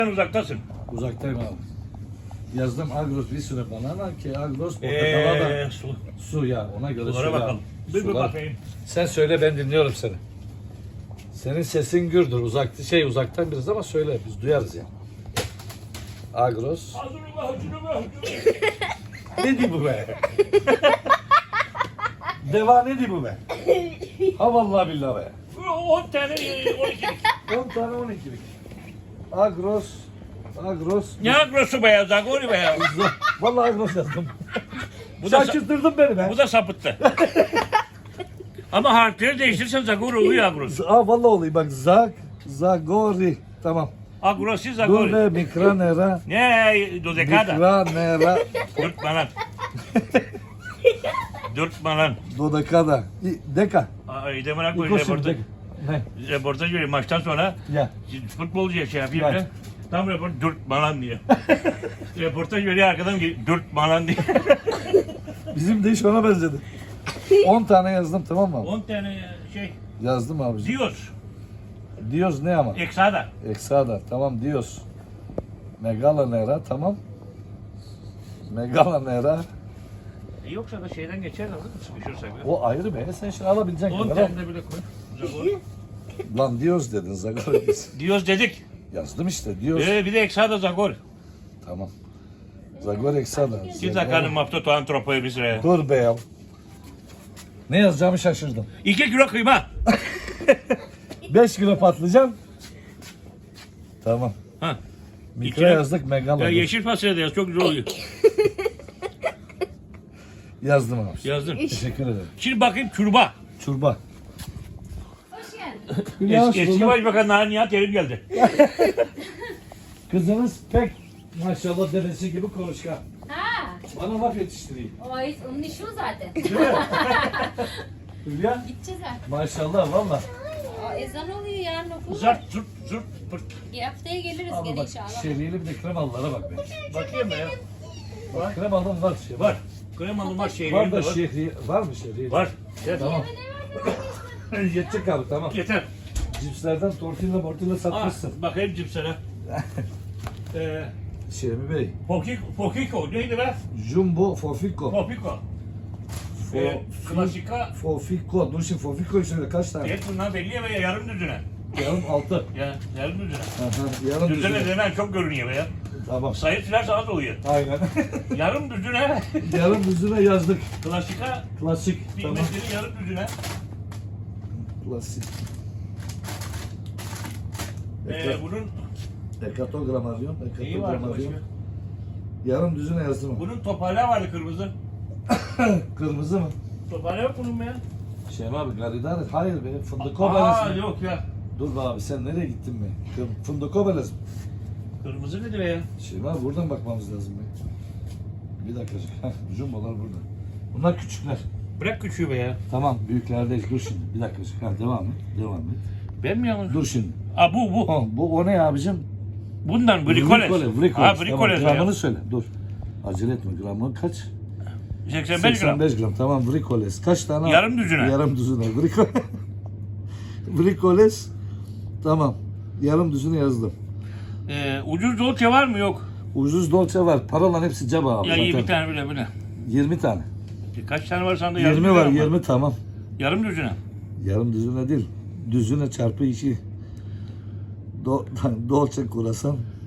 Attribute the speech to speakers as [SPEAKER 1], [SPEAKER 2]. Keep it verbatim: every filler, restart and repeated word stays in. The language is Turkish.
[SPEAKER 1] Sen uzaktasın.
[SPEAKER 2] Uzaktayım abi. Yazdım Agros bir sürü banana ki Agros portakala da
[SPEAKER 1] Eee su.
[SPEAKER 2] su ya ona göre
[SPEAKER 1] Sulara
[SPEAKER 2] su ya.
[SPEAKER 1] bakalım. Bir bir
[SPEAKER 2] Sular.
[SPEAKER 1] bakayım.
[SPEAKER 2] Sen söyle ben dinliyorum seni. Senin sesin gürdür uzak şey uzaktan biraz ama söyle biz duyarız ya. Agros.
[SPEAKER 1] Hazırlıma hazırlıma.
[SPEAKER 2] Ne diyor bu be? Deva ne diyor bu be? Ha vallahi billahi be.
[SPEAKER 1] on tane on ikilik.
[SPEAKER 2] on tane on ikilik. Agros. Agros.
[SPEAKER 1] Ne agrosu be ya? Zagori be ya.
[SPEAKER 2] Vallahi Agros yazdım.
[SPEAKER 1] Bu da,
[SPEAKER 2] Şaşırttırdın beni be.
[SPEAKER 1] bu da sapıttı. Ama harfleri değiştirirsen Zagori oluyor agros.
[SPEAKER 2] Aa vallahi olayım bak Zag. Zagori. Tamam.
[SPEAKER 1] Agrosi
[SPEAKER 2] Dur
[SPEAKER 1] Zagori.
[SPEAKER 2] be Mikranera.
[SPEAKER 1] Ne? Dodekada.
[SPEAKER 2] Mikranera.
[SPEAKER 1] Dürtme lan. Dürtme lan.
[SPEAKER 2] Dodekada. Deka.
[SPEAKER 1] Ay demene koy
[SPEAKER 2] İkosim
[SPEAKER 1] reportaj.
[SPEAKER 2] deka. Ne?
[SPEAKER 1] Reportaj veriyor maçtan sonra.
[SPEAKER 2] Ya.
[SPEAKER 1] Futbolcuya şey yapayım
[SPEAKER 2] Evet.
[SPEAKER 1] ya. Tam report dürtme lan diye. Reportaj veriyor arkadan ki dürtme lan diye.
[SPEAKER 2] Bizim de iş ona benzedi. on tane yazdım tamam mı?
[SPEAKER 1] on tane şey
[SPEAKER 2] Yazdım abi.
[SPEAKER 1] diyoruz.
[SPEAKER 2] Diyoruz ne ama?
[SPEAKER 1] Eksada.
[SPEAKER 2] Eksada tamam diyoruz. Megalanera tamam. Megalanera.
[SPEAKER 1] E yoksa da şeyden geçer de olur mu sıkışırsak?
[SPEAKER 2] O ayrı be. Sen şimdi alabileceksin.
[SPEAKER 1] on
[SPEAKER 2] kadar al.
[SPEAKER 1] tane de bile koy. Zagor.
[SPEAKER 2] Lan diyoruz dedin Zagor.
[SPEAKER 1] Diyoruz dedik.
[SPEAKER 2] Yazdım işte diyoruz.
[SPEAKER 1] Ee, bir de eksada Zagor.
[SPEAKER 2] Tamam. Zagor Eksada.
[SPEAKER 1] Siz zakanın maftoto antropoyu biz re.
[SPEAKER 2] Dur be ya. Ne yazacağımı şaşırdım.
[SPEAKER 1] iki kilo kıyma.
[SPEAKER 2] beş kilo patlıcan. Tamam.
[SPEAKER 1] Ha.
[SPEAKER 2] Mikro
[SPEAKER 1] İçine-
[SPEAKER 2] yazdık megalo.
[SPEAKER 1] Ya yeşil fasulye de yaz çok güzel oluyor.
[SPEAKER 2] Yazdım abi.
[SPEAKER 1] Yazdım.
[SPEAKER 2] Teşekkür ederim.
[SPEAKER 1] Şimdi bakayım çurba.
[SPEAKER 2] Çurba.
[SPEAKER 3] Hoş geldin.
[SPEAKER 2] Ya,
[SPEAKER 1] Es, eski
[SPEAKER 2] şurada-
[SPEAKER 1] Başbakan Nihat Erim geldi.
[SPEAKER 2] Kızınız pek maşallah dedesi gibi konuşkan.
[SPEAKER 3] Ha,
[SPEAKER 2] Bana laf yetiştireyim.
[SPEAKER 3] o onun işi o zaten.
[SPEAKER 2] Hülya
[SPEAKER 3] Gideceğiz artık.
[SPEAKER 2] maşallah valla.
[SPEAKER 3] Aa, ezan oluyor yarın okul var.
[SPEAKER 1] Zart zurt zurt pırt.
[SPEAKER 3] Bir haftaya geliriz
[SPEAKER 2] Ama
[SPEAKER 3] gene
[SPEAKER 2] bak
[SPEAKER 3] inşallah.
[SPEAKER 2] şeriyeli bir de kremalılara bak be.
[SPEAKER 1] Bakayım be ya.
[SPEAKER 2] Bak kremalım var şey.
[SPEAKER 1] Var. Kremalı var şey
[SPEAKER 2] Var da
[SPEAKER 1] var.
[SPEAKER 2] şehri var mı şehri?
[SPEAKER 1] Var. Evet.
[SPEAKER 2] Tamam. Yetecek abi tamam.
[SPEAKER 1] Yeter.
[SPEAKER 2] Cipslerden tortilla mortilla
[SPEAKER 1] Ah,
[SPEAKER 2] satmışsın.
[SPEAKER 1] bakayım cipsene. Ee,
[SPEAKER 2] Şemi Bey.
[SPEAKER 1] Pokiko, Pokiko neydi be?
[SPEAKER 2] Jumbo Fofiko.
[SPEAKER 1] Popiko. Ee, klasika.
[SPEAKER 2] Fofiko. Dur şimdi Fofiko'yu söyle kaç tane?
[SPEAKER 1] Et bunlar belli ya be yarım düzüne.
[SPEAKER 2] Yarım altı.
[SPEAKER 1] Ya yarım düzüne.
[SPEAKER 2] Aha, yarım
[SPEAKER 1] Düzüne
[SPEAKER 2] düzine.
[SPEAKER 1] demen çok görünüyor be ya.
[SPEAKER 2] Tamam.
[SPEAKER 1] Sayı silerse az oluyor.
[SPEAKER 2] Aynen.
[SPEAKER 1] Yarım düzüne.
[SPEAKER 2] yarım düzine yazdık.
[SPEAKER 1] Klasika.
[SPEAKER 2] Klasik. Tamam.
[SPEAKER 1] Bilmezleri yarım düzüne.
[SPEAKER 2] Klasik.
[SPEAKER 1] Ee, bunun
[SPEAKER 2] Ekatogram arıyorum.
[SPEAKER 1] neyi vardı
[SPEAKER 2] Ekatogram
[SPEAKER 1] başka?
[SPEAKER 2] arıyorum. Yarım düzine yazdım.
[SPEAKER 1] Bunun toparlağı vardı kırmızı.
[SPEAKER 2] Kırmızı mı?
[SPEAKER 1] Toparlağı yok bunun mu ya?
[SPEAKER 2] Şey abi garidar. Hayır be. Fındıko
[SPEAKER 1] Aa
[SPEAKER 2] belesi.
[SPEAKER 1] yok ya.
[SPEAKER 2] Dur be abi sen nereye gittin be? Kır- Fındıko belesi.
[SPEAKER 1] Kırmızı nedir ya?
[SPEAKER 2] Şey abi buradan bakmamız lazım be. Bir dakikacık. Heh, jumbolar burada. Bunlar küçükler.
[SPEAKER 1] Bırak küçüğü be ya.
[SPEAKER 2] Tamam büyüklerdeyiz. Dur şimdi. Bir dakikacık. Ha, devam et. Devam et.
[SPEAKER 1] Ben mi yanlış?
[SPEAKER 2] Dur şimdi.
[SPEAKER 1] Aa bu bu.
[SPEAKER 2] O, bu o ne abicim?
[SPEAKER 1] Bundan brikoles.
[SPEAKER 2] Brikole. Brikole.
[SPEAKER 1] Ha
[SPEAKER 2] Tamam,
[SPEAKER 1] brikoles
[SPEAKER 2] gramını
[SPEAKER 1] ya.
[SPEAKER 2] söyle. Dur. Acele etme. Gramı kaç?
[SPEAKER 1] seksen beş gram.
[SPEAKER 2] seksen beş gram. Tamam brikoles. Kaç tane?
[SPEAKER 1] Yarım düzine.
[SPEAKER 2] Yarım düzine. Brikole. brikoles. Tamam. Yarım düzine yazdım.
[SPEAKER 1] Ee, ucuz dolce var mı? Yok.
[SPEAKER 2] Ucuz dolce var. Paralan hepsi ceba abi
[SPEAKER 1] Ya iyi
[SPEAKER 2] zaten.
[SPEAKER 1] bir tane bile bile.
[SPEAKER 2] yirmi tane.
[SPEAKER 1] Kaç tane var sende? Yarım
[SPEAKER 2] yirmi var.
[SPEAKER 1] düzine mi?
[SPEAKER 2] yirmi tamam.
[SPEAKER 1] Yarım düzine.
[SPEAKER 2] Yarım düzine değil. Düzine çarpı iki. Do, dolce kurasan.